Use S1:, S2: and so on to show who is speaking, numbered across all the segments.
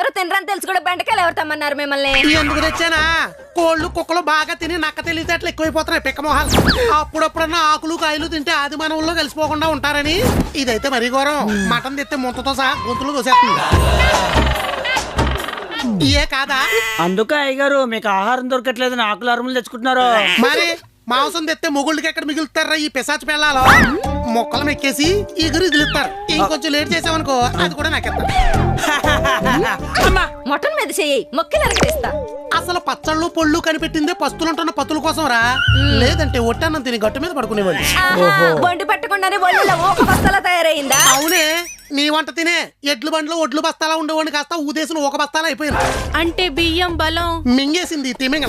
S1: ఎవరు తినరని తెలుసు కూడా బెండకాయలు ఎవరు తమ్మన్నారు మిమ్మల్ని?
S2: ఎందుకు తెచ్చానా? కోళ్ళు కుక్కలు బాగా తిని నక్క తెలివితేటలు ఎక్కువైపోతున్నాయి పిక్కమోహాలు. అప్పుడప్పుడన్నా ఆకులు కాయలు తింటే ఆది మానవుల్లో కలిసిపోకుండా ఉంటారని. ఇదైతే మరీ ఘోరం. మటన్ తెస్తే ముంతతో సహా గొంతులు దోసేస్తుంది. ఏ కాదా?
S3: అందుకే అయ్యగారు మీకు ఆహారం దొరకట్లేదు, ఆకులు అరుములు తెచ్చుకుంటున్నారు.
S2: మరి మాంసం తెస్తే మొగుళ్ళకి ఎక్కడ మిగులుతారా ఈ పిశాచి పిల్లలు? మొక్కలు మెక్కేసి ఎగురు ఇదిలిస్తారు. ఇంకొంచెం లేట్ చేసామనుకో అది కూడా నాకెత్తారు.
S1: మటన్ మీద చెయ్యి మొక్కి నరకటిస్తా.
S2: అసలు పచ్చళ్ళు పొళ్ళు కనిపెట్టిందే పస్తులుంటున్న పతుల కోసం రా, లేదంటే ఒట్టన్నం తిని గట్టు మీద పడుకునేవాళ్ళు.
S1: బండి పట్టకుండానే ఒళ్ళలో ఒక బస్తాలా తయారైందా?
S2: అవునే, నీ వంట తినే ఎడ్లు బండ్లో ఒడ్లు బస్తాలా ఉండేవాడిని కాస్త ఊదేసిన ఒక బస్తాలా అయిపోయింది.
S4: అంటే బియ్యం బలం
S2: మింగేసింది తిమింగ.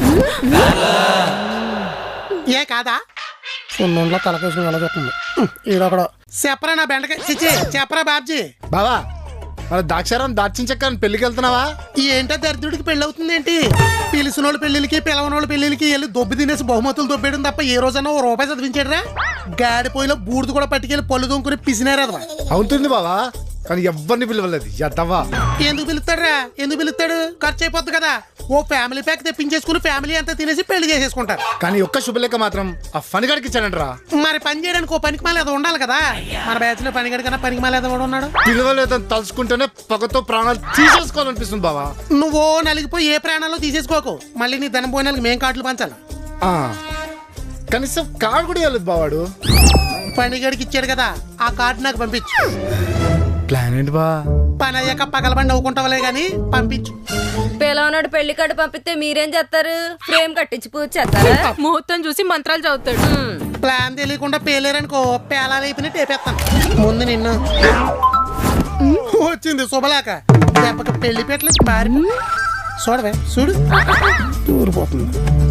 S2: ఏ కాదా? సున్నంలో తలకేసుకుని ఎలా చెప్తుంది ఈడొకడు. చెప్పరా నా బెండకాయ చిచి, చెప్పరా బాబ్జీ.
S5: బావా మన దాక్షారం దాచిన చెక్క పెళ్లికి వెళ్తున్నావా?
S2: ఏంటో దరిద్రుడికి పెళ్లి అవుతుంది ఏంటి? పిలిచినోళ్ళ పెళ్లికి పిలవనోళ్ళ పెళ్లికి వెళ్ళి దొబ్బి తినేసి బహుమతులు దొబ్బేయడం తప్ప ఏ రోజన్నా ఓ రూపాయి చదివించాడురా? గాడిపోయిలో బూడిద కూడా పట్టుకెళ్ళి పళ్ళు దొంకుని పిసినారదవా.
S5: అవుతుంది బావా, కానీ ఎవరిని పిలవలేదు. ఎద్దవా
S2: ఎందుకు పిలుస్తాడురా? ఎందుకు పిలుస్తాడు? ఖర్చు అయిపోద్ది కదా. ఓ ఫ్యామిలీ ప్యాక్ తెప్పించేసుకుని ఫ్యామిలీ అంతా తినేసి పెళ్లి చేసేసుకుంటారు.
S5: కానీ ఒక్క శుభలేఖ మాత్రం ఆ ఫనిగాడికి ఇచ్చానంటరా.
S2: మరి పని చేయడానికి ఓ పనికి మాలేదో ఉండాలి కదా. మన బ్యాచ్ లో పనిగడి కన్నా పనికి మాలేదో కూడా ఉన్నాడు.
S5: పిలవలేదని తలుచుకుంటేనే పగతో ప్రాణాలు తీసేసుకోవాలనిపిస్తుంది బావా.
S2: నువ్వు నలిగిపోయి ఏ ప్రాణాల్లో తీసేసుకోకు. మళ్ళీ నీ ధనం పోయిన మేం కార్డులు పంచాలి.
S5: కనీసం కార్డు కూడా ఇవ్వలేదు బావాడు.
S2: పనిగడికి ఇచ్చాడు కదా, ఆ కార్డు నాకు పంపించు.
S5: ప్లాన్ ఏంటి బా?
S2: పని అయ్యాక పగలబండి అవ్వుకుంటావులే గాని పంపించు.
S1: పిల్లవనాడు పెళ్లి కార్డు పంపిస్తే మీరేం చేస్తారు? ఫ్రేమ్ కట్టించి పూజ చేస్తారా?
S4: ముహూర్తం చూసి మంత్రాలు చదువుతాడు.
S2: ప్లాన్ తెలియకుండా పేలేరనుకో పేలాలు అయిపోయినా టేపేస్తాను. ముందు నిన్ను వచ్చింది శుభలేక దెబ్బకి పెళ్లి పెట్టలు పారి చూడవే చూడు ఊరిపోతుంది.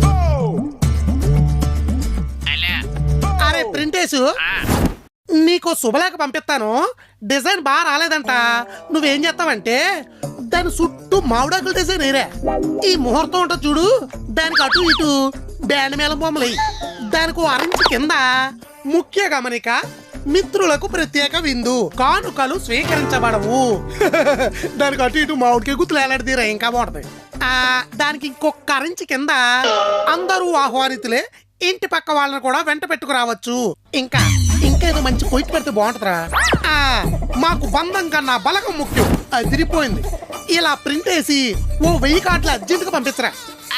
S2: అరే ప్రింటేసు, నీకు శుభలేఖ పంపిస్తాను. డిజైన్ బాగా రాలేదంట. నువ్వేం చేస్తావంటే దాని చుట్టూ మామిడాకుల డిజైన్ ఏరే. ఈ ముహూర్తం ఉంటుంది చూడు, దానికి అటు ఇటు బ్యాండ్ మేళం బొమ్మలు. దానికి అరించి కింద ముఖ్య గమనిక: మిత్రులకు ప్రత్యేక విందు, కానుకలు స్వీకరించబడవు. దానికి అటు ఇటు మామిడికి గుర్తులు ఎలాంటిదిరా ఇంకా బాగుంటది. దానికి ఇంకొక అరించి కింద అందరూ ఆహ్వానితులే, ఇంటి పక్క వాళ్ళని కూడా వెంట పెట్టుకురావచ్చు. ఇంకా ఏదో మంచి పొయ్యి పెడితే బాగుంటుందిరా. మాకు బంధం కన్నా బలగం ముఖ్యం. అదిరిపోయింది. ఇలా ప్రింట్ వేసి ఓ 1000 కార్డులు అర్జెంటుగా పంపించరా.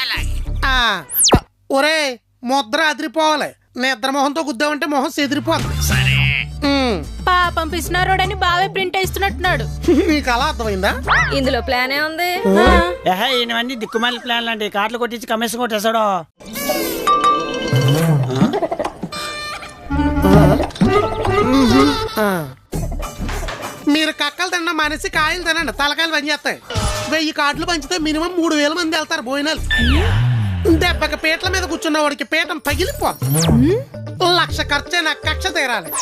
S2: ఒరే ముద్ర అదిరిపోవాలి. నిద్ర మొహంతో గుద్దామంటే మొహం చెదిరిపోతుంది.
S4: పాపం పిసినారోడని బావే ప్రింట్ వేస్తున్నట్టున్నాడు.
S2: నీకు అలా అర్థమైందా?
S1: ఇందులో ప్లాన్ ఏ ఉంది?
S3: ఇవన్నీ దిక్కుమాలి ప్లాన్లు అండి. కార్డులు కొట్టించి కమిషన్ కొట్టేశాడు.
S2: మీరు కక్కలు తిన్న మనిషి కాయలు తినండి, తలకాయలు పనిచేస్తాయి. 1000 కార్డులు పంచితే మినిమం 3000 మంది వెళ్తారు భోజనాలు. దెబ్బకి పీటల మీద కూర్చున్న వాడికి పీఠం పగిలిపోతుంది. 1,00,000 ఖర్చే నాకు కక్ష తీరాలి.